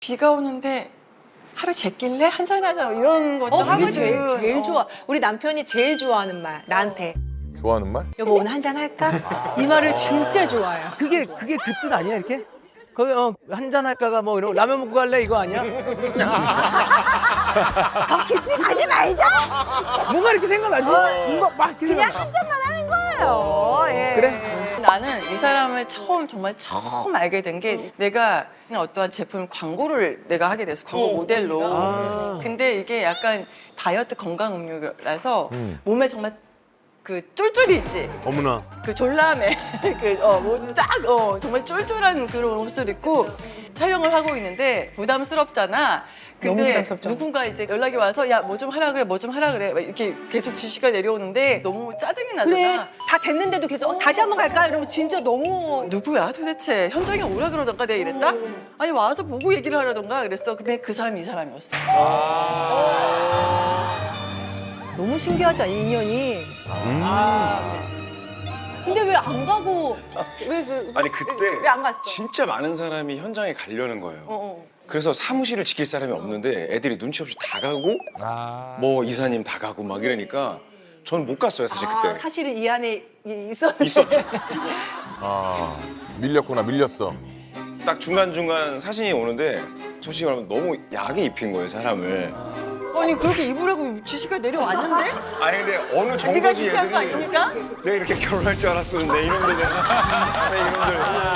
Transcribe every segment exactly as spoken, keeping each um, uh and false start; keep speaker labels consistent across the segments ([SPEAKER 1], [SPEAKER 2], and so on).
[SPEAKER 1] 비가 오는데 하루 제낄래? 한잔하자 이런 것도
[SPEAKER 2] 어,
[SPEAKER 1] 하거든.
[SPEAKER 2] 그게 제일, 제일
[SPEAKER 1] 어.
[SPEAKER 2] 좋아. 우리 남편이 제일 좋아하는 말, 나한테.
[SPEAKER 3] 좋아하는 말?
[SPEAKER 2] 여보, 오늘 한잔 할까? 이 말을 진짜 좋아해요.
[SPEAKER 4] 그게 그게 그 뜻 아니야 이렇게? 거기 어 한잔 할까가 뭐 이런 라면 먹고 갈래 이거 아니야?
[SPEAKER 2] 더 깊이 가지 말자!
[SPEAKER 4] 뭔가 이렇게 생각나지? 뭔가 막 이렇게
[SPEAKER 2] 그냥
[SPEAKER 4] 생각나.
[SPEAKER 2] 한 잔만 하는 거예요. 예.
[SPEAKER 4] 그래?
[SPEAKER 1] 나는 이 사람을 처음 정말 처음 알게 된 게 내가 그냥 어떠한 제품 광고를 내가 하게 됐어. 광고
[SPEAKER 2] 어,
[SPEAKER 1] 모델로.
[SPEAKER 4] 아.
[SPEAKER 1] 근데 이게 약간 다이어트 건강 음료라서
[SPEAKER 3] 음.
[SPEAKER 1] 몸에 정말 그 쫄쫄이 있지.
[SPEAKER 5] 어머나.
[SPEAKER 1] 그 졸라매 그어뭐딱 어, 정말 쫄쫄한 그런 옷을 입고 촬영을 하고 있는데 부담스럽잖아. 근데
[SPEAKER 2] 너무 부담스럽죠.
[SPEAKER 1] 누군가 이제 연락이 와서 야 뭐 좀 하라 그래 뭐 좀 하라 그래 막 이렇게 계속 지시가 내려오는데 너무 짜증이 나잖아.
[SPEAKER 2] 그래, 다 됐는데도 계속 어, 다시 한번 갈까? 이러면 진짜 너무.
[SPEAKER 1] 누구야 도대체 현장에 오라 그러던가 내가 이랬다? 아니 와서 보고 얘기를 하라던가 그랬어. 근데 그 사람이 이 사람이었어.
[SPEAKER 2] 너무 신기하지 않니, 인연이? 근데 왜 안 가고, 왜 그.
[SPEAKER 5] 아니 그때
[SPEAKER 2] 왜 안 갔어?
[SPEAKER 5] 진짜 많은 사람이 현장에 가려는 거예요.
[SPEAKER 2] 어, 어.
[SPEAKER 5] 그래서 사무실을 지킬 사람이 없는데 애들이 눈치 없이 다 가고 뭐 이사님 다 가고 막 이러니까 저는 못 갔어요 사실
[SPEAKER 2] 아,
[SPEAKER 5] 그때.
[SPEAKER 2] 사실은 이 안에 이- 있었는데.
[SPEAKER 5] 있었죠.
[SPEAKER 3] 아 밀렸구나 밀렸어.
[SPEAKER 5] 딱 중간중간 사진이 오는데 솔직히 말하면 너무 야하게 입힌 거예요 사람을.
[SPEAKER 1] 아니 그렇게 입으라고 지시가 내려왔는데?
[SPEAKER 5] 아니 근데 어느
[SPEAKER 1] 네가
[SPEAKER 5] 정도지
[SPEAKER 1] 지시한 거
[SPEAKER 5] 애들이
[SPEAKER 1] 아닙니까?
[SPEAKER 5] 내가 이렇게 결혼할 줄 알았었는데 이놈들 내 이놈들.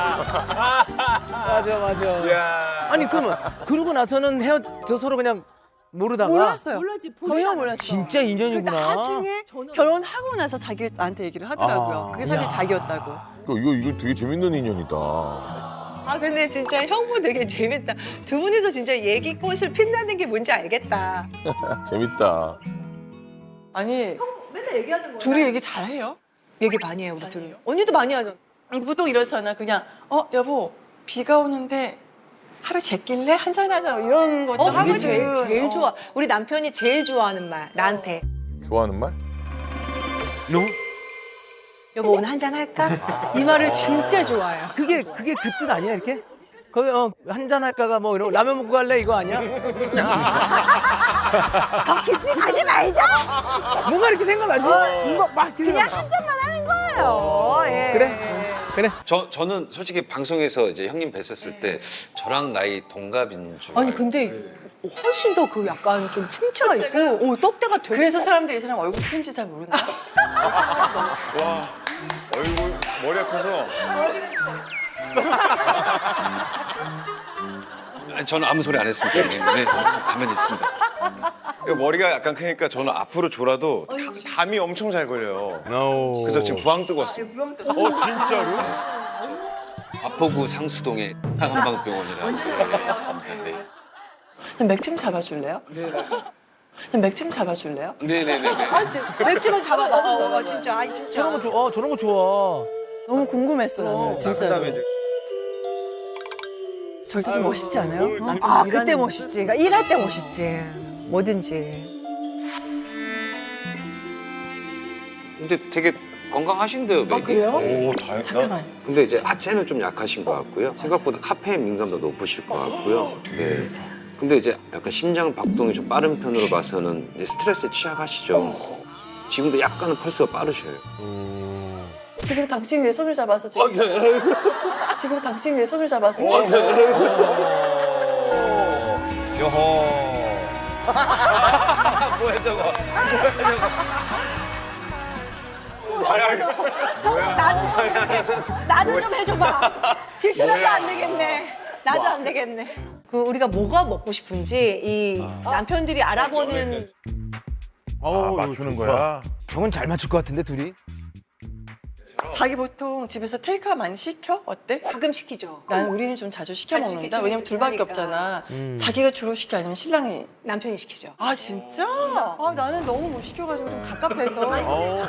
[SPEAKER 4] 맞아 맞아.
[SPEAKER 5] 야.
[SPEAKER 4] 아니 그러면 그러고 나서는 헤어져 서로 그냥 모르다가
[SPEAKER 1] 몰랐어요.
[SPEAKER 2] 몰랐지,
[SPEAKER 1] 전혀 몰랐어.
[SPEAKER 4] 진짜 인연이구나.
[SPEAKER 1] 나중에 결혼하고 나서 자기 나한테 얘기를 하더라고요.
[SPEAKER 4] 아.
[SPEAKER 1] 그게 사실
[SPEAKER 4] 야.
[SPEAKER 1] 자기였다고.
[SPEAKER 3] 이거 이거 이거 되게 재밌는 인연이다.
[SPEAKER 2] 아 근데 진짜 형부 되게 재밌다. 두 분이서 진짜 얘기꽃을 핀다는 게 뭔지 알겠다.
[SPEAKER 3] 재밌다.
[SPEAKER 1] 아니
[SPEAKER 2] 맨날 얘기하는 거야.
[SPEAKER 1] 둘이 얘기 잘해요?
[SPEAKER 2] 얘기 많이 해요 우리 둘이. 언니도 많이 하잖아.
[SPEAKER 1] 보통 이렇잖아. 그냥 어 여보 비가 오는데 하루 제낄래? 한잔하자 이런 것도
[SPEAKER 2] 어 그게
[SPEAKER 1] 하거든.
[SPEAKER 2] 제일 제일
[SPEAKER 1] 어.
[SPEAKER 2] 좋아. 우리 남편이 제일 좋아하는 말 나한테.
[SPEAKER 3] 좋아하는 말?
[SPEAKER 5] 너?
[SPEAKER 2] 여보 오늘 한잔 할까? 이 말을 진짜 좋아해요.
[SPEAKER 4] 그게 그게 그 뜻 아니야 이렇게? 거기 어 한잔 할까가 뭐 이런 라면 먹고 갈래 이거 아니야?
[SPEAKER 2] 더 깊이 가지 말자.
[SPEAKER 4] 뭔가 이렇게 생각나지? 뭔가 막 이렇게
[SPEAKER 2] 그냥
[SPEAKER 4] 생각나.
[SPEAKER 2] 한 잔만 하는 거예요. 예.
[SPEAKER 4] 그래? 그래.
[SPEAKER 6] 저 저는 솔직히 방송에서 이제 형님 뵀었을 때 저랑 나이 동갑인 줄
[SPEAKER 2] 아니
[SPEAKER 6] 알고.
[SPEAKER 2] 근데 훨씬 더 그 약간 좀 풍채가 있고 어, 떡대가 되게.
[SPEAKER 1] 그래서 사람들이 이 사람 얼굴 큰지 잘 모른다.
[SPEAKER 5] 와 얼굴 머리가 커서.
[SPEAKER 6] 아니, 저는 아무 소리 안 했습니다. 형님. 네, 가만히 있습니다.
[SPEAKER 5] 그 머리가 약간 크니까 저는 앞으로 졸아도 다- 담이 엄청 잘 걸려요. 그래서 지금 부항 뜨고 왔어요. 어 진짜로?
[SPEAKER 6] 마포구 상수동의 한방병원이라고 있습니다. 네.
[SPEAKER 1] 맥 좀 잡아줄래요? 네. 맥 좀 잡아줄래요?
[SPEAKER 6] 네네네.
[SPEAKER 2] 맥주만 잡아 먹어 진짜. 아이 진짜.
[SPEAKER 4] 저런 거 좋아. 저런 거 좋아.
[SPEAKER 1] 너무 궁금했어 나는 진짜로. 절대 좀 멋있지 않아요? 어?
[SPEAKER 2] 아 그때 멋있지. 그러니까 일할 때 멋있지. 뭐든지.
[SPEAKER 6] 근데 되게 건강하신데요, 맥이.
[SPEAKER 1] 아 그래요?
[SPEAKER 5] 오 다행.
[SPEAKER 1] 잠깐만.
[SPEAKER 6] 근데 이제 하체는 좀 약하신 것 같고요. 생각보다 카페인 민감도 높으실 것 같고요. 네. 근데 이제 약간 심장 박동이 좀 빠른 편으로 봐서는 이제 스트레스에 취약하시죠. 지금도 약간은 펄스가 빠르셔요.
[SPEAKER 1] 지금 당신이 내 손을 잡아서 지금. 지금 당신이 내 손을 잡아서 지금.
[SPEAKER 5] 여호.
[SPEAKER 2] 나도 좀 해줘봐. 질투나도 안 되겠네. 나도 안 되겠네. 그 우리가 뭐가 먹고 싶은지 이 남편들이 알아보는
[SPEAKER 3] 아, 맞추는 거야?
[SPEAKER 4] 저건 잘 맞출 것 같은데 둘이?
[SPEAKER 1] 자기 보통 집에서 테이크아웃 많이 시켜? 어때?
[SPEAKER 2] 가끔 시키죠.
[SPEAKER 1] 나는 우리는 좀 자주 시켜
[SPEAKER 2] 자주
[SPEAKER 1] 먹는다.
[SPEAKER 2] 시키죠.
[SPEAKER 1] 왜냐면 둘밖에
[SPEAKER 2] 하니까.
[SPEAKER 1] 없잖아.
[SPEAKER 4] 음.
[SPEAKER 1] 자기가 주로 시켜 아니면 신랑이?
[SPEAKER 2] 남편이 시키죠.
[SPEAKER 1] 아 진짜? 아 나는 너무 못 시켜가지고 좀 갑갑해서.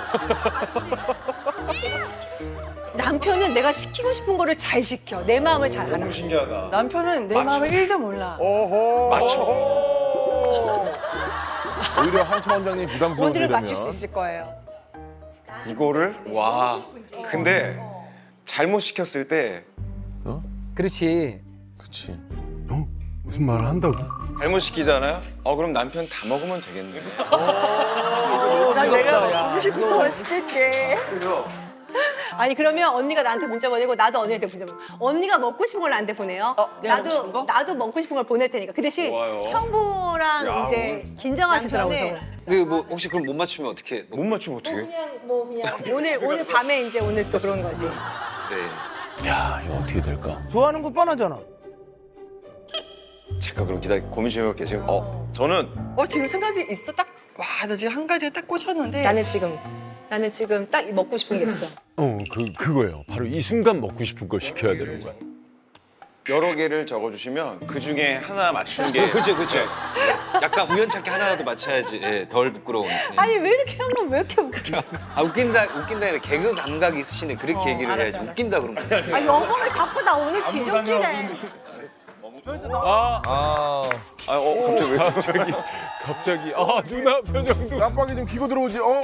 [SPEAKER 2] 남편은 내가 시키고 싶은 거를 잘 시켜. 내 마음을 잘 알아.
[SPEAKER 5] 너무 신기하다.
[SPEAKER 1] 남편은 내 마음을 일도 몰라.
[SPEAKER 3] 오호.
[SPEAKER 5] 맞춰.
[SPEAKER 3] 오히려 한차 원장님 부담스러워.
[SPEAKER 2] 모두를 맞출 수 있을 거예요.
[SPEAKER 5] 이거를 와. 근데 잘못 시켰을 때
[SPEAKER 4] 그렇지.
[SPEAKER 3] 그렇지.
[SPEAKER 7] 무슨 말을 한다고?
[SPEAKER 5] 잘못 시키잖아요. 어 그럼 남편 다 먹으면 되겠네.
[SPEAKER 1] 난 내가 먹고 싶은 거 시킬게.
[SPEAKER 2] 아니 그러면 언니가 나한테 문자 보내고 나도 언니한테 문자 보내. 언니가 먹고 싶은 걸 나한테 보내요.
[SPEAKER 1] 어, 내가
[SPEAKER 2] 나도
[SPEAKER 1] 먹고 싶은 거?
[SPEAKER 2] 나도 먹고 싶은 걸 보낼 테니까. 그 대신
[SPEAKER 5] 좋아요.
[SPEAKER 2] 형부랑
[SPEAKER 5] 야,
[SPEAKER 2] 이제
[SPEAKER 4] 긴장하시더라고요,
[SPEAKER 2] 남편은
[SPEAKER 6] 근데 뭐 혹시 그럼 못 맞추면 어떻게?
[SPEAKER 5] 못 맞추면 어떡해?
[SPEAKER 2] 그냥 뭐 그냥 오늘 오늘 밤에 이제 오늘 또 그런 거지.
[SPEAKER 6] 네.
[SPEAKER 7] 야, 이거 어떻게 될까?
[SPEAKER 4] 좋아하는 거 뻔하잖아.
[SPEAKER 5] 잠깐 그럼 기다려 고민 좀 해볼게요. 지금 어 저는
[SPEAKER 1] 어 지금 생각이 있어 딱. 와 나 지금 한 가지에 딱 꽂혔는데.
[SPEAKER 2] 나는 지금 나는 지금 딱 먹고 싶은 게 있어.
[SPEAKER 7] 어, 그 그거예요. 바로 이 순간 먹고 싶은 걸 시켜야 되는 거야.
[SPEAKER 5] 여러 개를 적어주시면 그 중에 하나 맞추는 게
[SPEAKER 6] 그렇죠, 그렇죠. 약간 우연찮게 하나라도 맞춰야지 예, 덜 부끄러운. 예.
[SPEAKER 2] 아니 왜 이렇게 형은 왜 이렇게 웃겨?
[SPEAKER 6] 아 웃긴다, 웃긴다 아니라 개그 감각이 있으시네. 그렇게
[SPEAKER 2] 어,
[SPEAKER 6] 얘기를
[SPEAKER 2] 알았어,
[SPEAKER 6] 해야지.
[SPEAKER 2] 알았어.
[SPEAKER 6] 웃긴다 그런 거.
[SPEAKER 2] 아 영어를 자꾸 나 오늘 지적지네.
[SPEAKER 7] 아,
[SPEAKER 5] 아 어 갑자기 왜
[SPEAKER 7] 갑자기 갑자기 아 누나 표정도.
[SPEAKER 3] 깜빡이 좀 키고 들어오지. 어?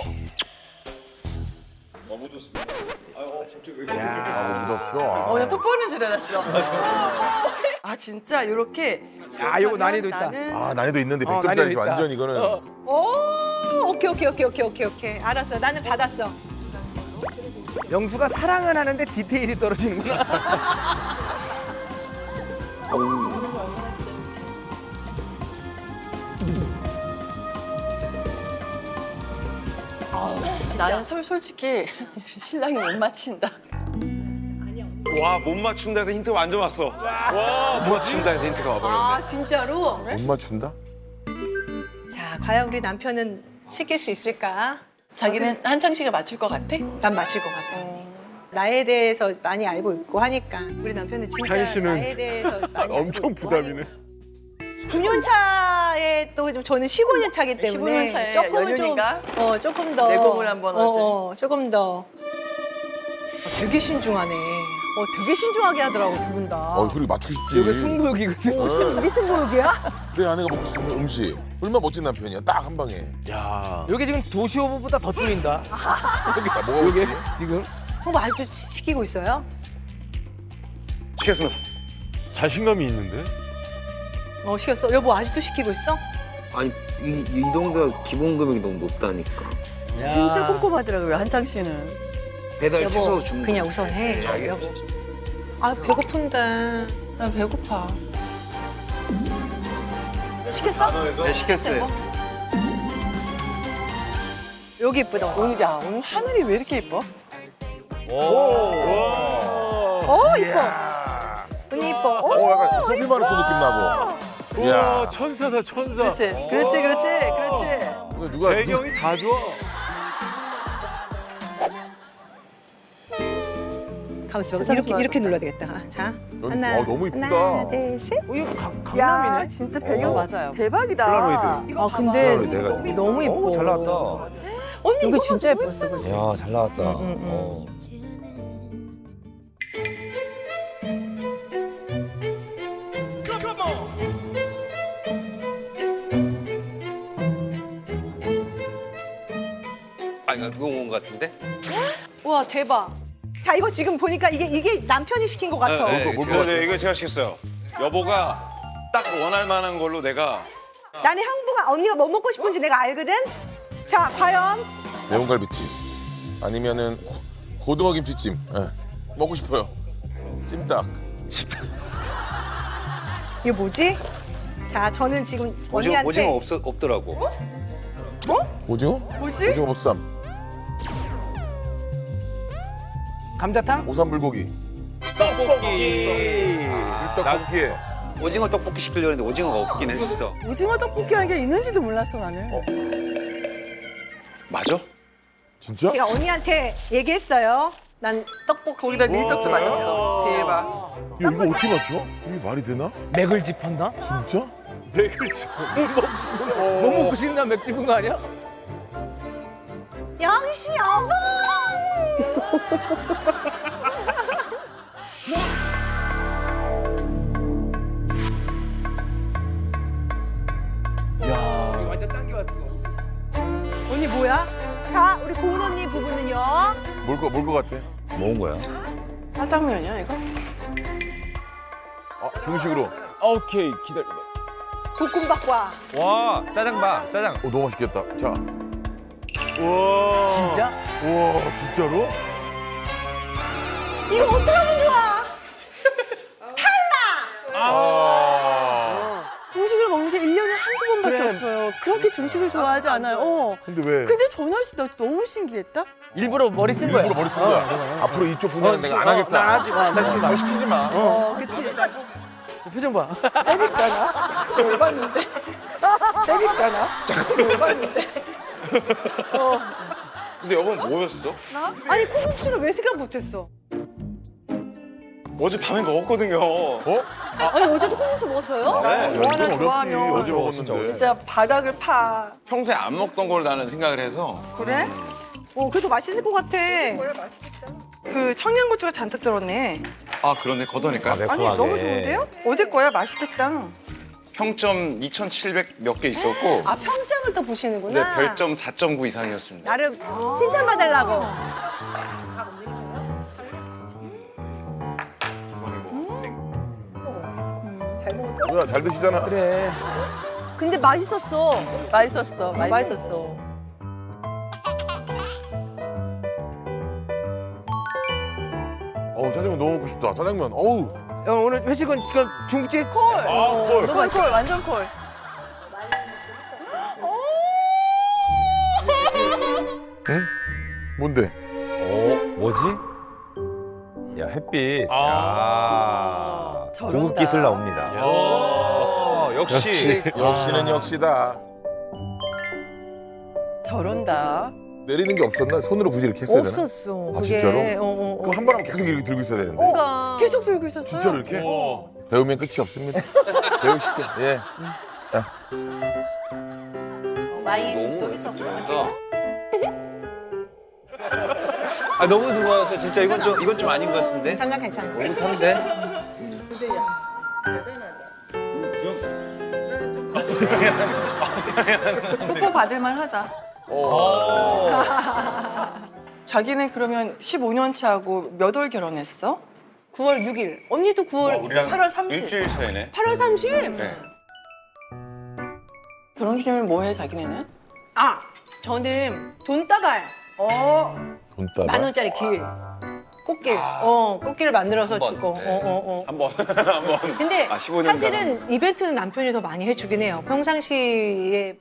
[SPEAKER 3] 아, 묻었어. 아.
[SPEAKER 1] 어, 나 뽀뽀는 줄 알았어. 아, 진짜 이렇게.
[SPEAKER 4] 야, 이거 난이도 있다.
[SPEAKER 1] 나는
[SPEAKER 3] 아, 난이도 있는데
[SPEAKER 4] 어,
[SPEAKER 3] 백 점짜리
[SPEAKER 4] 난이도 있다.
[SPEAKER 3] 완전 이거는.
[SPEAKER 4] 어.
[SPEAKER 2] 오 오케이 오케이 오케이 오케이 오케이 오케이 알았어. 나는 받았어.
[SPEAKER 4] 영수가 사랑은 하는데 디테일이 떨어지는구나.
[SPEAKER 1] 나는 솔, 솔직히 신랑이 못 맞힌다.
[SPEAKER 5] 와 못 맞춘다 해서 힌트 완전 왔어. 못 맞춘다 해서 힌트가 와버렸네.
[SPEAKER 2] 아 진짜로?
[SPEAKER 3] 못 맞춘다?
[SPEAKER 2] 자 과연 우리 남편은 시킬 수 있을까?
[SPEAKER 1] 자기는 한창 씨가 맞출 것 같아?
[SPEAKER 2] 난 맞힐 것 같아. 나에 대해서 많이 알고 있고 하니까 우리 남편은 진짜
[SPEAKER 7] 찬 씨는
[SPEAKER 2] 나에 대해서 많이
[SPEAKER 7] 엄청
[SPEAKER 2] 알고 있고
[SPEAKER 7] 부담이네.
[SPEAKER 2] 구 년 차에 또 좀 저는 십오 년 차기 때문에
[SPEAKER 1] 십오 년 차에
[SPEAKER 2] 조금은 좀
[SPEAKER 1] 연륜인가?
[SPEAKER 2] 어 조금 더
[SPEAKER 1] 내공을 한번 하지.
[SPEAKER 2] 어, 어, 조금 더 어, 되게 신중하네. 어 되게 신중하게 하더라고 두 분 다.
[SPEAKER 3] 어, 그리고 맞추고 싶지.
[SPEAKER 4] 이거 승부욕이거든.
[SPEAKER 3] 어.
[SPEAKER 2] 우리 승부욕이야?
[SPEAKER 3] 내 아내가 먹고 싶은 음식. 얼마나 멋진 남편이야. 딱 한 방에.
[SPEAKER 7] 야,
[SPEAKER 4] 여기 지금 도시오브보다 더 줄인다.
[SPEAKER 3] 자, 뭐가
[SPEAKER 4] 여기
[SPEAKER 3] 먹지?
[SPEAKER 4] 지금.
[SPEAKER 2] 형 아직도 시- 시키고 있어요?
[SPEAKER 5] 시켰으면
[SPEAKER 7] 자신감이 있는데.
[SPEAKER 2] 어 시켰어. 여보 아직도 시키고 있어?
[SPEAKER 6] 아니 이, 이 정도가 기본 금액이 너무 높다니까.
[SPEAKER 1] 진짜 꼼꼼하더라고요, 한창 씨는.
[SPEAKER 6] 배달
[SPEAKER 2] 여보
[SPEAKER 6] 최소 주문.
[SPEAKER 2] 그냥 우선 해.
[SPEAKER 6] 네, 알겠어.
[SPEAKER 2] 여보. 아 배고픈데.
[SPEAKER 1] 나 배고파.
[SPEAKER 2] 시켰어?
[SPEAKER 6] 네, 시켰어요.
[SPEAKER 2] 여기 이쁘다.
[SPEAKER 1] 오늘, 야, 오늘 하늘이 왜 이렇게 예뻐?
[SPEAKER 2] 어 이뻐. 언니 이뻐. 어,
[SPEAKER 3] 어, 약간 소피 마르소 느낌 나고.
[SPEAKER 7] 와,
[SPEAKER 3] 야.
[SPEAKER 7] 천사다 천사.
[SPEAKER 1] 그렇지, 그렇지, 그렇지, 그렇지.
[SPEAKER 3] 누가, 누가,
[SPEAKER 7] 배경이 다 좋아.
[SPEAKER 2] 가만있어. 이렇게
[SPEAKER 1] 좋아,
[SPEAKER 2] 이렇게
[SPEAKER 1] 좋다.
[SPEAKER 2] 눌러야 되겠다. 아, 자
[SPEAKER 3] 여기,
[SPEAKER 2] 하나.
[SPEAKER 3] 어, 너무 이쁘다.
[SPEAKER 2] 하나 둘 셋.
[SPEAKER 4] 어, 이거 가-
[SPEAKER 1] 야,
[SPEAKER 4] 강남이네.
[SPEAKER 1] 진짜
[SPEAKER 3] 배경
[SPEAKER 1] 맞아요. 대박이다.
[SPEAKER 7] 폴라로이드.
[SPEAKER 2] 아 근데
[SPEAKER 7] 내가
[SPEAKER 2] 너무 이뻐.
[SPEAKER 8] 잘 나왔다.
[SPEAKER 2] 언니 이거 진짜 예뻤어. 그지?
[SPEAKER 8] 야, 잘 나왔다.
[SPEAKER 2] 응, 응, 응.
[SPEAKER 8] 어.
[SPEAKER 6] 아 이거 그거 온 것 같은데?
[SPEAKER 2] 와 대박. 자 이거 지금 보니까 이게 이게 남편이 시킨 것 같아.
[SPEAKER 6] 네, 네.
[SPEAKER 3] 뭘
[SPEAKER 5] 네, 네, 이거 제가 시켰어요. 여보가 딱 원할 만한 걸로 내가
[SPEAKER 2] 나는 형부가 언니가 뭐 먹고 싶은지 내가 알거든. 자 과연
[SPEAKER 3] 매운갈비찜. 아니면은 고- 고등어 김치찜. 예. 먹고 싶어요. 찜닭.
[SPEAKER 2] 이게 뭐지? 자 저는 지금
[SPEAKER 6] 오징어
[SPEAKER 2] 언니한테
[SPEAKER 6] 오징어 없 없더라고.
[SPEAKER 3] 오징어?
[SPEAKER 1] 뭐지?
[SPEAKER 3] 오징어 보쌈.
[SPEAKER 4] 감자탕?
[SPEAKER 3] 오삼불고기.
[SPEAKER 7] 떡볶이.
[SPEAKER 3] 떡볶이에.
[SPEAKER 6] 오징어 떡볶이 시키려고 했는데 오징어가 없긴 했어.
[SPEAKER 1] 오징어 떡볶이라는 게 있는지도 몰랐어, 나는.
[SPEAKER 5] 맞아?
[SPEAKER 3] 진짜?
[SPEAKER 2] 제가 언니한테 얘기했어요. 난 떡볶이
[SPEAKER 1] 거기다 밀떡도 맞았어. 대박.
[SPEAKER 3] 야, 이거 어떻게 맞춰? 이게 말이 되나?
[SPEAKER 4] 맥을 짚었나?
[SPEAKER 3] 진짜?
[SPEAKER 7] 맥을 쳐.
[SPEAKER 3] 어.
[SPEAKER 4] 뭐 먹고 싶나 맥 짚은 거 아니야?
[SPEAKER 2] 영시 여보.
[SPEAKER 4] 완전 당겨왔어.
[SPEAKER 2] 언니 뭐야? 자 우리 고은 언니 부부는요.
[SPEAKER 3] 뭘 거, 뭘 거 같아?
[SPEAKER 8] 먹은 거야?
[SPEAKER 1] 짜장면이야, 이거?
[SPEAKER 3] 아, 중식으로.
[SPEAKER 7] 오케이 기다려.
[SPEAKER 2] 볶음밥과
[SPEAKER 8] 와 짜장밥 짜장.
[SPEAKER 3] 오, 너무 맛있겠다. 자,
[SPEAKER 7] 우와.
[SPEAKER 4] 진짜?
[SPEAKER 3] 우와, 진짜로?
[SPEAKER 2] 이거 어떡하면 좋아?
[SPEAKER 3] 아.
[SPEAKER 1] 중식을 먹는 게 일 년에 한두 번밖에
[SPEAKER 4] 그래.
[SPEAKER 1] 없어요. 그렇게 중식을 좋아하지 않아요. 어.
[SPEAKER 3] 근데 왜?
[SPEAKER 1] 근데 전화 씨 나 너무 신기했다.
[SPEAKER 4] 일부러 머리 쓴 거야.
[SPEAKER 3] 일부러 머리 쓴 거야. 앞으로 이쪽 분야는 내가 안 하겠다.
[SPEAKER 4] 난 하지 마. 나 시키지 마.
[SPEAKER 3] 더 시키지 마.
[SPEAKER 1] 어, 그치.
[SPEAKER 4] 저 표정 봐.
[SPEAKER 1] 때릴까나? 열받는데. 때릴까나? 열받는데.
[SPEAKER 5] 근데 여건 뭐였어?
[SPEAKER 2] 아니 콩국수를 왜 생각 못했어?
[SPEAKER 5] 어제 밤에 먹었거든요.
[SPEAKER 3] 어?
[SPEAKER 2] 아니 어제도 콩국수 먹었어요?
[SPEAKER 5] 네.
[SPEAKER 3] 야, 이건 어렵지.
[SPEAKER 1] 좋아하면.
[SPEAKER 3] 어제 먹었는데.
[SPEAKER 1] 진짜 바닥을 파.
[SPEAKER 5] 평소에 안 먹던 걸 나는 생각을 해서
[SPEAKER 1] 그래?
[SPEAKER 2] 어 그래도 맛있을 것 같아.
[SPEAKER 1] 그 청양고추가 잔뜩 들었네.
[SPEAKER 5] 아 그러네 걷어낼까?
[SPEAKER 1] 아니 너무 좋은데요? 어제 거야 맛있겠다.
[SPEAKER 5] 평점 이천칠백 몇 개 있었고
[SPEAKER 2] 아 평점을 또 보시는구나.
[SPEAKER 5] 네, 별점 사 점 구 이상이었습니다.
[SPEAKER 2] 나름 칭찬받으려고.
[SPEAKER 3] 누나 잘 드시잖아.
[SPEAKER 4] 그래.
[SPEAKER 2] 근데 맛있었어.
[SPEAKER 1] 맛있었어. 맛있었어.
[SPEAKER 2] 맛있었어.
[SPEAKER 3] 어우, 짜장면 너무 먹고 싶다. 짜장면. 어우.
[SPEAKER 4] 형 오늘 회식은 지금 중국집 콜.
[SPEAKER 7] 아 콜.
[SPEAKER 1] 콜, 콜, 완전 콜.
[SPEAKER 3] 뭔데?
[SPEAKER 8] 오 뭐지? 야 햇빛.
[SPEAKER 7] 아.
[SPEAKER 8] 야
[SPEAKER 1] 저런다.
[SPEAKER 8] 고급 기술 나옵니다.
[SPEAKER 5] 오, 역시.
[SPEAKER 3] 역시는 역시다.
[SPEAKER 1] 저런다.
[SPEAKER 3] 내리는 게 없었나? 손으로 굳이 이렇게 했어야 되나?
[SPEAKER 2] 없었어.
[SPEAKER 3] 아,
[SPEAKER 2] 그게.
[SPEAKER 3] 진짜로?
[SPEAKER 2] 어, 어, 어.
[SPEAKER 3] 그거 한 번 하면 계속 이렇게 들고 있어야 되는데.
[SPEAKER 2] 그러니까.
[SPEAKER 1] 계속 들고 있었어요.
[SPEAKER 3] 진짜로 이렇게?
[SPEAKER 7] 어.
[SPEAKER 3] 배우면 끝이 없습니다. 배우시죠. 예. 자,
[SPEAKER 2] 와인 또 있었고.
[SPEAKER 6] 아 너무 누워서 진짜 이건 좀 이건 좀 아닌 것 같은데.
[SPEAKER 2] 장난 괜찮아.
[SPEAKER 6] 얼굴 타는데.
[SPEAKER 1] 뽀뽀 받을만 하다.
[SPEAKER 3] 어.
[SPEAKER 1] 자기네 그러면 십오 년 차하고 몇 월 결혼했어?
[SPEAKER 2] 구월 육일. 언니도 구월
[SPEAKER 5] 우리랑
[SPEAKER 1] 팔월 삼십.
[SPEAKER 5] 일주일 차이네.
[SPEAKER 2] 팔월 삼십.
[SPEAKER 5] 네.
[SPEAKER 1] 결혼기념일 뭐 해, 자기네는?
[SPEAKER 2] 아 저는 돈 따가요. 어.
[SPEAKER 3] 돈 따라.
[SPEAKER 2] 만 원짜리 길. 꽃길. 어 꽃길을 만들어서
[SPEAKER 5] 번,
[SPEAKER 2] 주고.
[SPEAKER 5] 네.
[SPEAKER 2] 어 어 어.
[SPEAKER 5] 한번 한번.
[SPEAKER 2] 근데
[SPEAKER 5] 아, 십오 년
[SPEAKER 2] 사실은 이벤트는 남편이 더 많이 해주긴 해요. 평상시에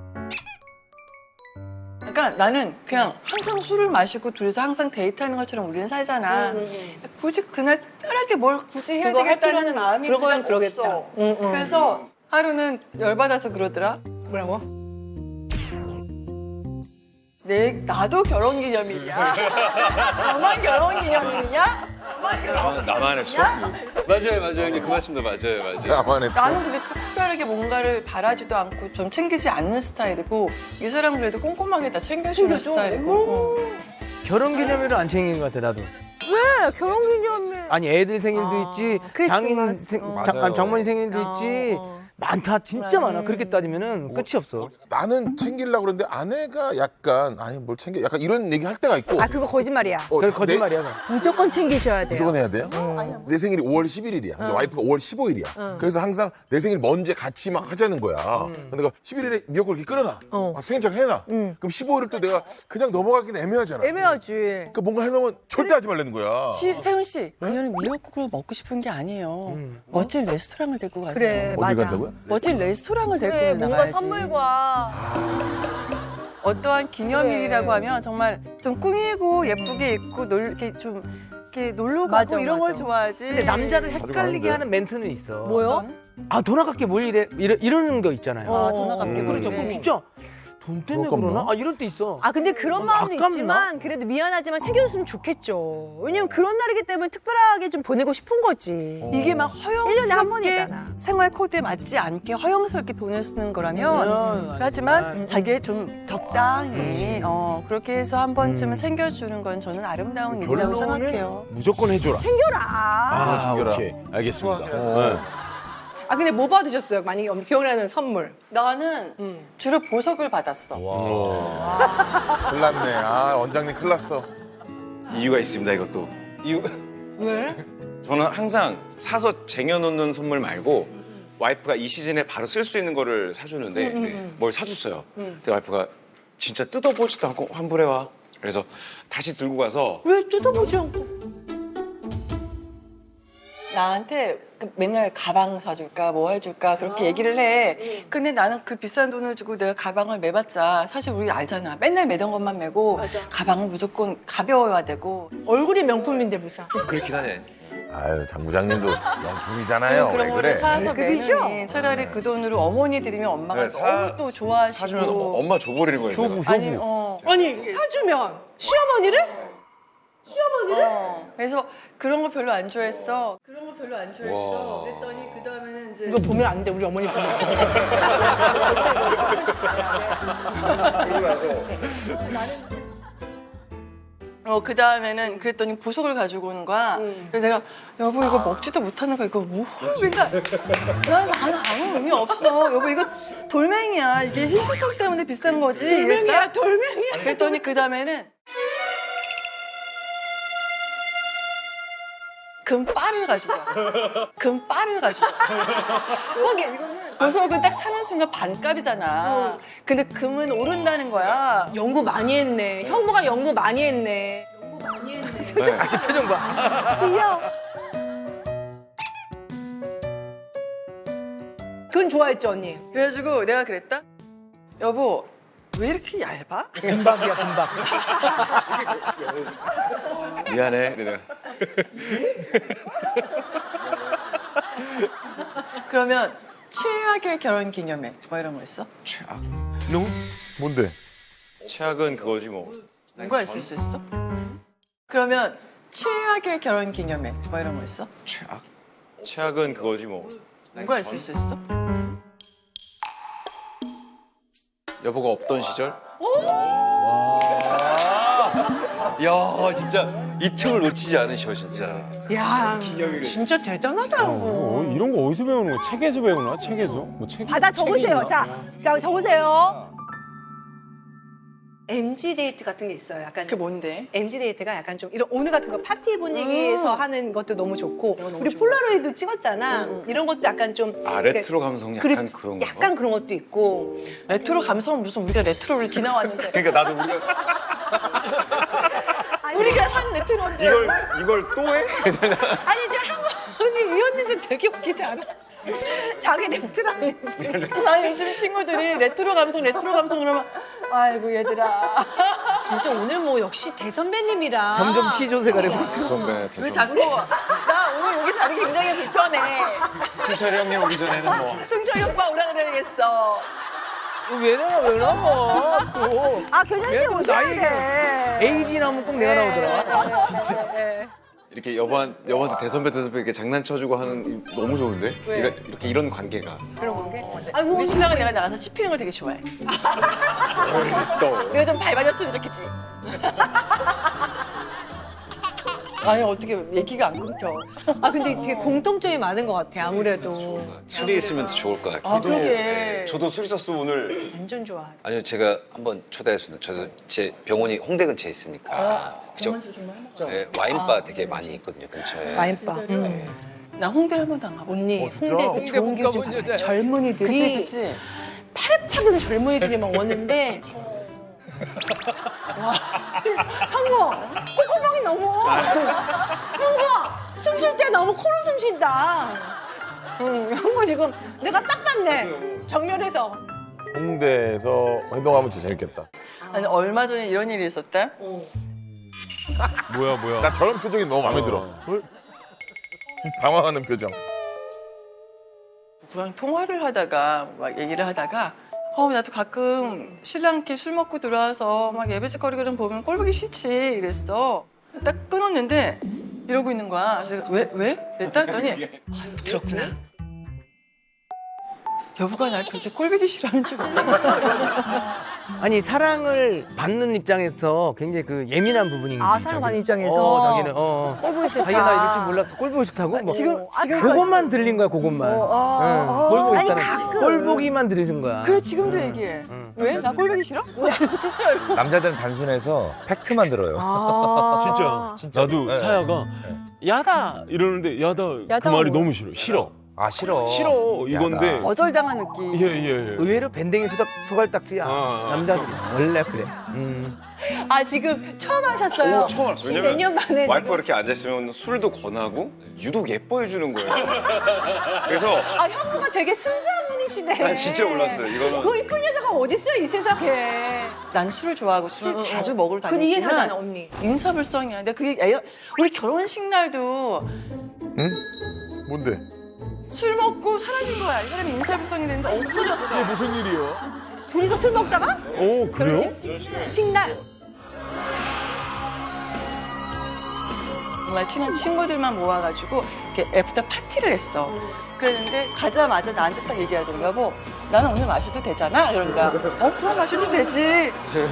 [SPEAKER 1] 그러니까 나는 그냥 항상 술을 마시고 둘이서 항상 데이트하는 것처럼 우리는 살잖아. 굳이 그날 특별하게 뭘 굳이 해야
[SPEAKER 2] 그거 할
[SPEAKER 1] 되겠다는
[SPEAKER 2] 필요는
[SPEAKER 1] 마음이
[SPEAKER 2] 그러고는
[SPEAKER 1] 그냥
[SPEAKER 2] 그러겠다.
[SPEAKER 1] 없어.
[SPEAKER 2] 응, 응.
[SPEAKER 1] 그래서 하루는 열받아서 그러더라.
[SPEAKER 2] 뭐라고?
[SPEAKER 1] 내 나도 결혼기념일이야. 너만 결혼기념일이냐?
[SPEAKER 5] 나만, 나만 했어?
[SPEAKER 6] 맞아요 맞아요 형님 그 말씀도 맞아요 맞아요.
[SPEAKER 3] 나만 했어.
[SPEAKER 1] 나는 그게 특별하게 뭔가를 바라지도 않고 좀 챙기지 않는 스타일이고 이 사람은 그래도 꼼꼼하게 다 챙겨주는 스타일이고. 어.
[SPEAKER 4] 결혼기념일을 안 챙긴 것 같아 나도.
[SPEAKER 2] 왜 결혼기념일?
[SPEAKER 4] 아니 애들 생일도 있지, 장인
[SPEAKER 2] 크리스마스.
[SPEAKER 4] 생,
[SPEAKER 2] 어.
[SPEAKER 4] 장,
[SPEAKER 8] 맞아요.
[SPEAKER 4] 장모님 생일도 있지.
[SPEAKER 2] 어.
[SPEAKER 4] 많다, 진짜
[SPEAKER 1] 맞아.
[SPEAKER 4] 많아. 그렇게 따지면은 끝이 없어.
[SPEAKER 3] 나는 챙기려고 그러는데 아내가 약간 아니 뭘 챙겨 약간 이런 얘기 할 때가 있고.
[SPEAKER 2] 아 그거 거짓말이야.
[SPEAKER 3] 어,
[SPEAKER 4] 그게
[SPEAKER 3] 내-
[SPEAKER 4] 거짓말이야. 그거.
[SPEAKER 2] 무조건 챙기셔야 돼요.
[SPEAKER 3] 무조건 해야 돼요? 내 생일이 오월 십일일이야. 근데 와이프가 오월 십오일이야. 그래서 항상 내 생일 먼저 같이 막 하자는 거야. 근데 내가 십일일에 미역국 이렇게 끓여놔.
[SPEAKER 2] 어.
[SPEAKER 3] 막 생일장 해놔. 그럼 십오일을 또 내가 그냥 넘어가기는 애매하잖아.
[SPEAKER 2] 애매하지.
[SPEAKER 3] 그러니까 뭔가 해놓으면 절대 하지 말라는 거야.
[SPEAKER 1] 시, 세훈 씨, 그녀는 미역국을 먹고 싶은 게 아니에요. 멋진 레스토랑을 데리고 가세요.
[SPEAKER 2] 그래
[SPEAKER 3] 어디
[SPEAKER 2] 맞아.
[SPEAKER 3] 간다고요?
[SPEAKER 1] 멋진 레스토랑을 데리고
[SPEAKER 2] 그래 뭔가
[SPEAKER 1] 나가야지.
[SPEAKER 2] 선물과
[SPEAKER 1] 어떠한 기념일이라고
[SPEAKER 2] 그래.
[SPEAKER 1] 하면 정말 좀 꾸미고 예쁘게 입고 놀 이렇게 좀 이렇게 놀러 가고
[SPEAKER 2] 맞아,
[SPEAKER 1] 이런 걸
[SPEAKER 2] 맞아.
[SPEAKER 1] 좋아하지.
[SPEAKER 4] 근데 남자를
[SPEAKER 3] 가는데.
[SPEAKER 4] 헷갈리게 하는 멘트는 있어.
[SPEAKER 2] 뭐요?
[SPEAKER 4] 아, 돈 아깝게 뭘 이래? 이러, 이러는 거 있잖아요.
[SPEAKER 1] 아, 돈 아깝게
[SPEAKER 3] 음.
[SPEAKER 4] 그렇죠.
[SPEAKER 1] 그래.
[SPEAKER 4] 그럼 진짜 돈 때문에
[SPEAKER 3] 아깝나?
[SPEAKER 4] 그러나? 아, 이럴 때 있어.
[SPEAKER 2] 아 근데 그런
[SPEAKER 4] 너무
[SPEAKER 2] 마음은
[SPEAKER 4] 아깝나?
[SPEAKER 2] 있지만 그래도 미안하지만 챙겨줬으면 좋겠죠. 왜냐면 그런 날이기 때문에 특별하게 좀 보내고 싶은 거지.
[SPEAKER 1] 이게 막
[SPEAKER 2] 일 년에 한
[SPEAKER 1] 허영스럽게
[SPEAKER 2] 번이잖아.
[SPEAKER 1] 생활 코드에 맞지 않게 허영스럽게 돈을 쓰는 거라면
[SPEAKER 4] 음,
[SPEAKER 1] 하지만
[SPEAKER 4] 음.
[SPEAKER 1] 자기의 좀 적당히 어, 그렇게 해서 한 번쯤은 챙겨주는 건 저는 아름다운 일이라고
[SPEAKER 3] 결론은
[SPEAKER 1] 생각해요.
[SPEAKER 3] 무조건 해줘라.
[SPEAKER 2] 챙겨라.
[SPEAKER 3] 아, 챙겨라.
[SPEAKER 7] 오케이 알겠습니다.
[SPEAKER 3] 어.
[SPEAKER 2] 아 근데 뭐 받으셨어요? 만약에 엄- 기억나는 선물.
[SPEAKER 1] 나는 주로 보석을 받았어.
[SPEAKER 3] 큰일 났네. 아, 원장님 큰일 났어.
[SPEAKER 5] 이유가 있습니다 이것도. 이유
[SPEAKER 2] 왜?
[SPEAKER 5] 저는 항상 사서 쟁여놓는 선물 말고 와이프가 이 시즌에 바로 쓸 수 있는 거를 사주는데 네, 뭘 사줬어요. 근데 와이프가 진짜 뜯어보지도 않고 환불해와. 그래서 다시 들고 가서
[SPEAKER 2] 왜 뜯어보지 않고?
[SPEAKER 1] 나한테 그 맨날 가방 사줄까 뭐 해줄까 그렇게 얘기를 해. 근데 나는 그 비싼 돈을 주고 내가 가방을 매봤자 사실 우리 알잖아. 맨날 매던 것만 매고 가방은 무조건 가벼워야 되고.
[SPEAKER 2] 얼굴이 명품인데 무슨.
[SPEAKER 6] 그렇긴 하네.
[SPEAKER 3] 아유 장 부장님도 명품이잖아요.
[SPEAKER 1] 그런
[SPEAKER 3] 왜
[SPEAKER 1] 거를
[SPEAKER 3] 그래?
[SPEAKER 1] 사서
[SPEAKER 2] 급이죠?
[SPEAKER 1] 매느니 차라리 그 돈으로 어머니 드리면 엄마가
[SPEAKER 5] 네, 사-
[SPEAKER 1] 너무 또 좋아하시고.
[SPEAKER 5] 사주면 엄마 줘버리는 거예요. 제가.
[SPEAKER 1] 아니 어.
[SPEAKER 2] 아니 사주면 시어머니를?
[SPEAKER 1] 어. 그래서 그런 거 별로 안 좋아했어. 그런 거 별로 안 좋아했어. 그랬더니 그 다음에는 이제
[SPEAKER 2] 이거 보면 안 돼, 우리 어머니 보면.
[SPEAKER 1] 어, 그 다음에는 그랬더니 보석을 가지고 오는 거야. 그래서 내가 여보 이거 먹지도 못하는 거 이거 뭐 맨날 난 나는 아무 의미 없어. 여보 이거 돌멩이야. 이게 희신성 때문에 비싼 거지.
[SPEAKER 2] 돌멩이야,
[SPEAKER 1] 이랬다?
[SPEAKER 2] 돌멩이야.
[SPEAKER 1] 그랬더니 그 다음에는 금빨을 가지고 와. 금빨을 가지고 와.
[SPEAKER 2] 그게 이거는
[SPEAKER 1] 보석은 딱 사는 순간 반값이잖아. 근데 금은 오른다는 거야.
[SPEAKER 2] 연구 많이 했네. 형부가 연구 많이 했네. 연구 많이 했네.
[SPEAKER 5] 네.
[SPEAKER 4] 표정 봐.
[SPEAKER 2] 귀여워. 그건 좋아했죠, 언니?
[SPEAKER 1] 그래가지고 내가 그랬다. 여보 왜 이렇게 얇아?
[SPEAKER 4] 금박이야 금박.
[SPEAKER 5] 미안해. 그래.
[SPEAKER 1] 그러면 최악의 결혼 기념회 뭐 이런 거 있어?
[SPEAKER 5] 최악.
[SPEAKER 3] 뭔데?
[SPEAKER 5] 최악은 그거지 뭐.
[SPEAKER 1] 뭐가 있을 수 있어? 그러면 최악의 결혼 기념회 뭐 이런 거 있어?
[SPEAKER 5] 최악. 최악은 그거지 뭐.
[SPEAKER 1] 뭐가 있을 수 있어?
[SPEAKER 5] 여보가 없던 시절?
[SPEAKER 6] 야 진짜 이 틈을 놓치지 않으셔 진짜.
[SPEAKER 2] 야, 진짜 대단하다.
[SPEAKER 7] 어, 이런 거 어디서 배우는 거야? 책에서 배우나? 책에서? 뭐 책?
[SPEAKER 2] 받아 적으세요.
[SPEAKER 7] 책이
[SPEAKER 2] 자, 자 적으세요. 엠지 데이트 같은 게 있어요. 약간
[SPEAKER 1] 그게 뭔데?
[SPEAKER 2] 엠지 데이트가 약간 좀 이런 오늘 같은 거 파티 분위기에서 하는 것도 너무 좋고
[SPEAKER 1] 이런 거 너무
[SPEAKER 2] 우리
[SPEAKER 1] 좋아.
[SPEAKER 2] 폴라로이드 찍었잖아. 이런 것도 약간 좀
[SPEAKER 5] 아 레트로 감성 약간
[SPEAKER 2] 그래,
[SPEAKER 5] 그런 거.
[SPEAKER 2] 약간 그런 것도 있고
[SPEAKER 1] 레트로 감성 무슨 우리가 레트로를 지나왔는데
[SPEAKER 5] 그러니까 나도 우리가
[SPEAKER 1] 우리가 산 레트로인데
[SPEAKER 5] 이걸 이걸 또 해?
[SPEAKER 2] 아니 저 한국 언니 위원님들 되게 웃기지 않아? 자기 랩트라면서
[SPEAKER 1] 나 요즘 친구들이 레트로 감성 레트로 감성 그러면 아이고 얘들아
[SPEAKER 2] 진짜 오늘 뭐 역시 대선배님이라
[SPEAKER 4] 점점 시조세가 되고 있어.
[SPEAKER 5] 선배
[SPEAKER 1] 왜
[SPEAKER 5] 대선.
[SPEAKER 1] 자꾸 나 오늘 여기 자리 굉장히 불편해
[SPEAKER 5] 신철이 형님 오기 전에는 뭐.
[SPEAKER 1] 승철이 오빠 오라 그래야겠어
[SPEAKER 4] 왜 나와 왜 나와 또.
[SPEAKER 2] 아 교장 씨
[SPEAKER 4] 얘도
[SPEAKER 2] 오셔야
[SPEAKER 4] 나이
[SPEAKER 2] 돼.
[SPEAKER 4] 에이지 나오면 꼭 내가 나오더라. 진짜.
[SPEAKER 5] 이렇게 여보한 여보한테 대선배 대선배 이렇게 장난쳐주고 하는 이- 너무 좋은데? 이렇게, 이렇게 이런 관계가.
[SPEAKER 1] 그런 관계?
[SPEAKER 2] 아이고
[SPEAKER 1] 우리 신랑은 내가 나가서 씹히는 걸 되게 좋아해
[SPEAKER 5] 또.
[SPEAKER 1] 내가 좀 밟아줬으면 좋겠지 아니 어떻게 얘기가 안 끊겨
[SPEAKER 2] 아 근데 되게 공통점이 많은 것 같아 아무래도
[SPEAKER 6] 술이 있으면 더 좋을 것 같아요.
[SPEAKER 1] 아 그러게
[SPEAKER 5] 저도 술 있었으면 오늘
[SPEAKER 2] 완전 좋아.
[SPEAKER 6] 아니요 제가 한번 초대했습니다. 저도 제 병원이 홍대 근처에 있으니까 그죠? 네, 와인바 되게 많이 있거든요 근처에.
[SPEAKER 2] 와인바.
[SPEAKER 6] 네.
[SPEAKER 1] 나 홍대를 한 번도 안 가봐
[SPEAKER 2] 언니
[SPEAKER 3] 어, 진짜?
[SPEAKER 2] 홍대 그 좋은
[SPEAKER 4] 홍대
[SPEAKER 2] 길좀
[SPEAKER 4] 못
[SPEAKER 2] 봐요.
[SPEAKER 4] 가본
[SPEAKER 2] 젊은이들이
[SPEAKER 1] 그치 그치
[SPEAKER 2] 파릇파릇한 젊은이들이 막 오는데 와 형부 콧구멍이 너무 형부 숨 쉴 때 너무 코로 숨 쉰다. 응 형부 지금 내가 딱 봤네 정면에서.
[SPEAKER 3] 홍대에서 행동하면 진짜 재밌겠다.
[SPEAKER 1] 아니 얼마 전에 이런 일이 있었다
[SPEAKER 7] 뭐야 뭐야?
[SPEAKER 3] 나 저런 표정이 너무 마음에 들어. 어? 당황하는 표정.
[SPEAKER 1] 누구랑 통화를 하다가 막 얘기를 하다가 어 나도 가끔 신랑께 술 먹고 들어와서 막 예배짓거리거든 보면 꼴 보기 싫지 이랬어 딱 끊었는데 이러고 있는 거야 그래서 왜? 왜? 그랬다 했더니 아 들었구나 여보가 날 그렇게 꼴보기 싫어하는 줄 몰랐어
[SPEAKER 4] 아니 사랑을 받는 입장에서 굉장히 그 예민한 부분인
[SPEAKER 2] 아,
[SPEAKER 4] 거지,
[SPEAKER 2] 사랑받는
[SPEAKER 4] 자기.
[SPEAKER 2] 입장에서?
[SPEAKER 4] 어, 자기는 어.
[SPEAKER 2] 꼴 보기 싫다.
[SPEAKER 4] 자기가 나 이럴 줄 몰랐어. 꼴 보기 싫다고? 뭐.
[SPEAKER 1] 지금 지금
[SPEAKER 4] 그것만 들린 거야, 그것만. 응. 꼴 보기
[SPEAKER 2] 아니,
[SPEAKER 4] 싫다는
[SPEAKER 2] 가끔.
[SPEAKER 4] 꼴 보기만 들리는 거야.
[SPEAKER 1] 그래 지금도 얘기해 왜? 나 꼴보기 싫어? 진짜로
[SPEAKER 8] 남자들은 단순해서 팩트만 들어요.
[SPEAKER 7] 진짜.
[SPEAKER 8] 진짜.
[SPEAKER 7] 나도
[SPEAKER 8] 네.
[SPEAKER 7] 사야가 야다 이러는데 야다,
[SPEAKER 2] 야다
[SPEAKER 7] 그 말이
[SPEAKER 2] 뭐야?
[SPEAKER 7] 너무 싫어. 싫어.
[SPEAKER 8] 아 싫어.
[SPEAKER 7] 싫어 이건데.
[SPEAKER 1] 거절당한 느낌.
[SPEAKER 7] 예예 예.
[SPEAKER 4] 의외로 밴댕이 소각, 소갈딱지야.
[SPEAKER 7] 아, 아.
[SPEAKER 4] 남자들 원래 그래. 음.
[SPEAKER 2] 아 지금 처음 하셨어요?
[SPEAKER 5] 오, 처음 알았어요.
[SPEAKER 2] 지금 몇 년 만에
[SPEAKER 5] 와이프가
[SPEAKER 2] 지금.
[SPEAKER 5] 이렇게 앉아있으면 술도 권하고 유독 예뻐해 주는 거예요. 그래서
[SPEAKER 2] 아 형부가 되게 순수한 분이시네.
[SPEAKER 5] 난 진짜 몰랐어요. 이거는
[SPEAKER 2] 거의 큰 여자가 어딨어요 이 se상에.
[SPEAKER 1] 난 술을 좋아하고 술을 자주 먹으러
[SPEAKER 2] 그건 이해
[SPEAKER 1] 다니지만
[SPEAKER 2] 가잖아 언니.
[SPEAKER 1] 인사불성이야. 근데 그게 애, 우리 결혼식 날도
[SPEAKER 3] 응? 뭔데?
[SPEAKER 1] 술 먹고 사라진 거야. 이 사람이 인사불성이 됐는데 없어졌어.
[SPEAKER 3] 무슨 일이요?
[SPEAKER 2] 둘이서 술 먹다가
[SPEAKER 7] 오 그래요?
[SPEAKER 2] 결혼식 식날.
[SPEAKER 1] 정말 친한 친구들만 모아가지고 이렇게 애프터 파티를 했어. 그랬는데 가자마자 나한테 딱 얘기하더라고. 여보, 나는 오늘 마셔도 되잖아? 그러니까 어 그럼 마셔도 되지.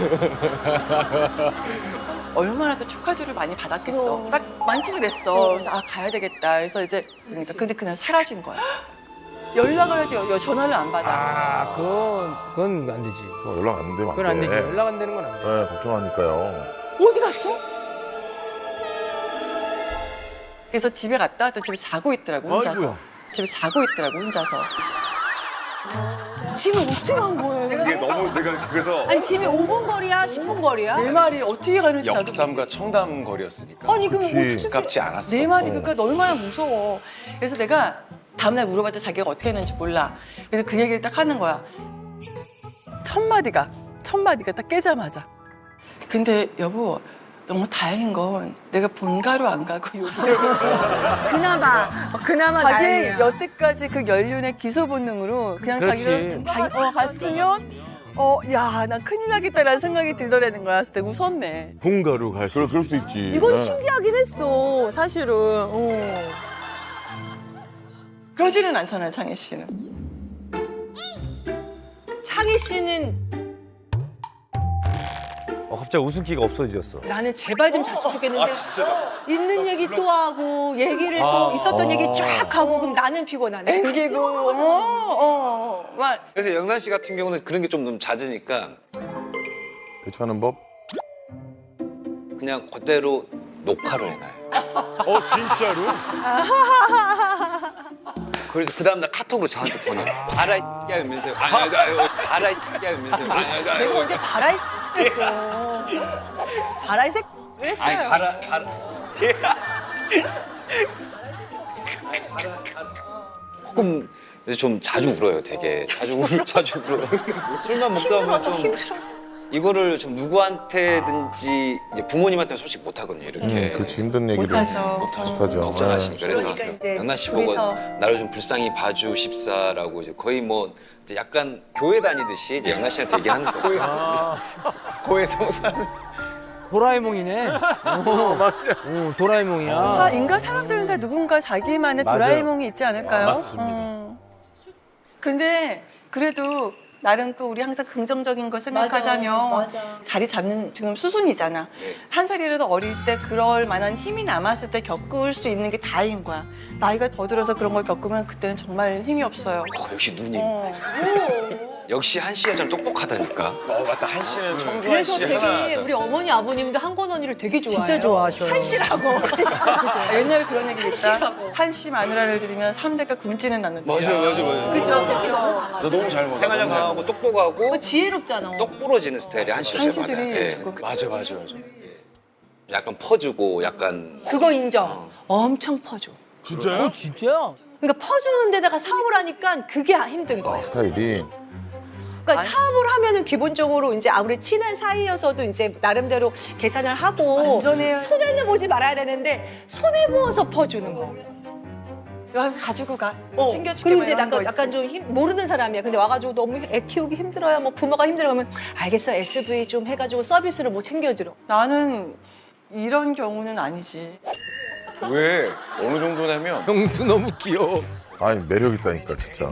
[SPEAKER 1] 얼마나 또 축하주를 많이 받았겠어. 딱 만취가 됐어. 그래서 아 가야 되겠다. 그래서 이제 그러니까 근데 그날 사라진 거야. 연락을 해도 여- 여- 전화를 안 받아.
[SPEAKER 4] 아, 그건 그건 안 되지.
[SPEAKER 3] 어, 연락 안 되면 안
[SPEAKER 4] 그건 안 되지.
[SPEAKER 3] 돼.
[SPEAKER 4] 연락 안 되는 건 안 돼.
[SPEAKER 3] 네, 걱정하니까요.
[SPEAKER 2] 어디 갔어?
[SPEAKER 1] 그래서 집에 갔다 또 집에 자고 있더라고 혼자서.
[SPEAKER 7] 아이고야.
[SPEAKER 1] 집에 자고 있더라고 혼자서.
[SPEAKER 2] 집에 어떻게 간 거예요?
[SPEAKER 5] 이게 너무 내가 그래서
[SPEAKER 2] 아니 집에 오 분 거리야? 십 분 거리야?
[SPEAKER 1] 내 말이 어떻게 가는지 나도
[SPEAKER 5] 역삼과 청담 거리였으니까
[SPEAKER 2] 아니 그럼
[SPEAKER 3] 그치.
[SPEAKER 2] 어떻게
[SPEAKER 5] 가깝지 않았어.
[SPEAKER 1] 내 말이 그러니까 얼마나 무서워. 그래서 내가 다음날 물어봤더니 자기가 어떻게 했는지 몰라. 그래서 그 얘기를 딱 하는 거야. 첫 마디가 첫 마디가 딱 깨자마자. 근데 여보 너무 다행인 건 내가 본가로 안 가고 여기를
[SPEAKER 2] 그나마 어, 그나마
[SPEAKER 1] 자기
[SPEAKER 2] 다행이야.
[SPEAKER 1] 여태까지 그 연륜의 기소 본능으로 그냥
[SPEAKER 4] 그렇지.
[SPEAKER 1] 자기가 다, 어, 갔으면 어 야 나 큰일 나겠다라는 생각이 들더라는 거야. 그래서 내가 웃었네.
[SPEAKER 7] 본가로 갈 수
[SPEAKER 3] 그럴,
[SPEAKER 7] 있어.
[SPEAKER 3] 그럴 수 있지.
[SPEAKER 2] 이건
[SPEAKER 3] 네.
[SPEAKER 2] 신기하긴 했어 사실은. 어.
[SPEAKER 1] 그러지는 않잖아요 창희 씨는.
[SPEAKER 2] 창희 씨는
[SPEAKER 8] 어, 갑자기 웃음기가 없어졌어.
[SPEAKER 2] 나는 제발 좀 잤으면 좋겠는데 있는 얘기 또 하고 얘기를 또
[SPEAKER 7] 아.
[SPEAKER 2] 있었던 얘기 쫙 하고 그럼 나는 피곤하네.
[SPEAKER 1] 앵기고 어어막
[SPEAKER 6] 그래서 영란 씨 같은 경우는 그런 게 좀 너무 잦으니까
[SPEAKER 3] 대처하는 법?
[SPEAKER 6] 그냥 그대로 녹화를 해놔요.
[SPEAKER 7] 어 진짜로?
[SPEAKER 6] 그래서 그 다음날 카톡으로 저한테 보내. 바라 이야 이러면서요. 아니 아니 아니 바라 이야 이러면서요. 아니 아니 아니.
[SPEAKER 2] 내가 언제 바라이 그랬어. 바라이 색 그랬어요.
[SPEAKER 6] 아니 바라 바라. 조금 좀 자주 울어요. 되게 자주 울 자주 울어. 술만 먹다 보면
[SPEAKER 2] 힘들어서
[SPEAKER 6] 좀
[SPEAKER 2] 힘들어서.
[SPEAKER 6] 이거를 좀 누구한테든지 이제 부모님한테 솔직히 못 하거든요. 이렇게.
[SPEAKER 3] 음, 그렇지 힘든 얘기를
[SPEAKER 1] 못하죠.
[SPEAKER 3] 못하죠.
[SPEAKER 6] 걱정하시니까 그래서
[SPEAKER 2] 그러니까 이제
[SPEAKER 6] 영란 씨 보고
[SPEAKER 2] 둘이서.
[SPEAKER 6] 나를 좀 불쌍히 봐주십사라고 이제 거의 뭐 이제 약간 교회 다니듯이 이제 영란 씨한테 얘기하는 거예요.
[SPEAKER 5] 고해 성산.
[SPEAKER 4] 도라에몽이네. 어, 맞아. 어, 도라에몽이야.
[SPEAKER 1] 사, 인간 사람들은 다 누군가 자기만의
[SPEAKER 7] 맞아요.
[SPEAKER 1] 도라에몽이 있지 않을까요?
[SPEAKER 7] 아, 맞습니다.
[SPEAKER 1] 어. 근데 그래도 나름 또 우리 항상 긍정적인 걸 생각하자면
[SPEAKER 2] 맞아, 맞아.
[SPEAKER 1] 자리 잡는 지금 수순이잖아. 한 살이라도 어릴 때 그럴 만한 힘이 남았을 때 겪을 수 있는 게 다행인 거야. 나이가 더 들어서 그런 걸 겪으면 그때는 정말 힘이 없어요.
[SPEAKER 6] 어, 역시 누님.
[SPEAKER 1] 어.
[SPEAKER 6] 역시 한씨 여자는 똑똑하다니까.
[SPEAKER 5] 어 맞다 한 씨는 청주 한
[SPEAKER 2] 그래서
[SPEAKER 5] 씨
[SPEAKER 2] 되게
[SPEAKER 5] 하나.
[SPEAKER 2] 우리 어머니 아버님도 한권 언니를 되게 좋아해요.
[SPEAKER 4] 진짜 좋아하셔요.
[SPEAKER 2] 한씨라고.
[SPEAKER 1] 아, 옛날에 그런 얘기 있다.
[SPEAKER 2] 한시라고.
[SPEAKER 1] 한씨 마누라를 들이면 삼 대가 굶지는 않는다.
[SPEAKER 6] 맞아 맞아 맞아.
[SPEAKER 2] 그죠 그죠.
[SPEAKER 5] 너 너무 잘 먹어.
[SPEAKER 6] 생활력 강하고 똑똑하고
[SPEAKER 2] 뭐 지혜롭잖아.
[SPEAKER 6] 똑 부러지는 스타일이 한씨 여자
[SPEAKER 1] 한씨들이
[SPEAKER 6] 많아요. 예.
[SPEAKER 1] 조금
[SPEAKER 5] 맞아 맞아 맞아.
[SPEAKER 6] 약간 퍼주고 약간
[SPEAKER 2] 그거 인정. 엄청 퍼줘.
[SPEAKER 3] 진짜요?
[SPEAKER 4] 진짜?
[SPEAKER 2] 그러니까 퍼주는 데다가 사업을 하니까 그게 힘든 거예요.
[SPEAKER 3] 스타일이
[SPEAKER 2] 그러니까 사업을 하면은 기본적으로 이제 아무리 친한 사이여서도 이제 나름대로 계산을 하고
[SPEAKER 1] 완전해요.
[SPEAKER 2] 손해는 보지 말아야 되는데 손해 보어서 퍼주는 거.
[SPEAKER 1] 이거 가지고 가.
[SPEAKER 2] 어,
[SPEAKER 1] 챙겨줄게.
[SPEAKER 2] 그리고
[SPEAKER 1] 뭐
[SPEAKER 2] 이제
[SPEAKER 1] 이런 거
[SPEAKER 2] 약간, 약간
[SPEAKER 1] 있지.
[SPEAKER 2] 좀 힘- 모르는 사람이야. 근데 와가지고 너무 애 키우기 힘들어요. 뭐 부모가 힘들어 그러면 알겠어 에스브이 좀 해가지고 서비스를 뭐 챙겨들어.
[SPEAKER 1] 나는 이런 경우는 아니지.
[SPEAKER 5] 왜 어느 정도냐면
[SPEAKER 4] 형수 너무 귀여워.
[SPEAKER 3] 아니 매력 있다니까 진짜.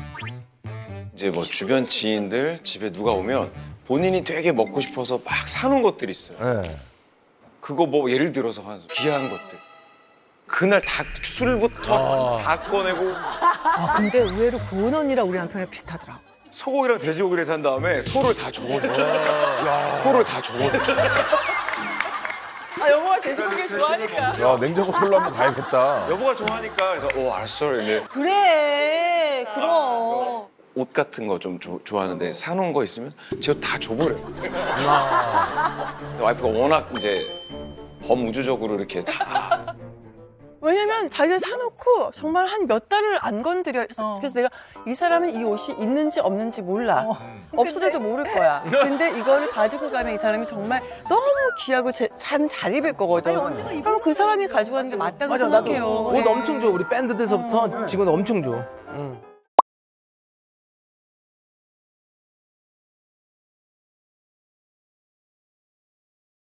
[SPEAKER 5] 이제 뭐 주변 지인들 집에 누가 오면 본인이 되게 먹고 싶어서 막 사놓은 것들이 있어요.
[SPEAKER 8] 네.
[SPEAKER 5] 그거 뭐 예를 들어서 한 귀한 것들. 그날 다 술부터 다 꺼내고
[SPEAKER 2] 아 근데 의외로 고은 언니랑 우리 남편이랑 비슷하더라.
[SPEAKER 5] 소고기랑 돼지고기를 산 다음에 소를 다 줘버려. 소를 다 줘버려.
[SPEAKER 1] 아, 영어가 돼지고기 좋아하니까.
[SPEAKER 3] 야 냉장고 털로 한번 가야겠다.
[SPEAKER 5] 여보가 좋아하니까 그래서 오 알았어. 근데
[SPEAKER 2] 그래, 그럼.
[SPEAKER 5] 옷 같은 거 좀 좋아하는데 사놓은 거 있으면 제가 다 줘버려요. 와이프가 워낙 이제 범우주적으로 이렇게 다
[SPEAKER 1] 왜냐면 자기가 사놓고 정말 한 몇 달을 안 건드려.
[SPEAKER 2] 어.
[SPEAKER 1] 그래서 내가 이 사람은 이 옷이 있는지 없는지 몰라. 없어져도 모를 거야. 근데 이거를 가지고 가면 이 사람이 정말 너무 귀하고 참 잘 입을 거거든. 그럼 그 사람이 가지고 가는 게 맞다고
[SPEAKER 4] 맞아, 나도
[SPEAKER 1] 생각해요.
[SPEAKER 4] 옷 엄청 줘. 우리 밴드 때서부터 직원 엄청 줘. 응.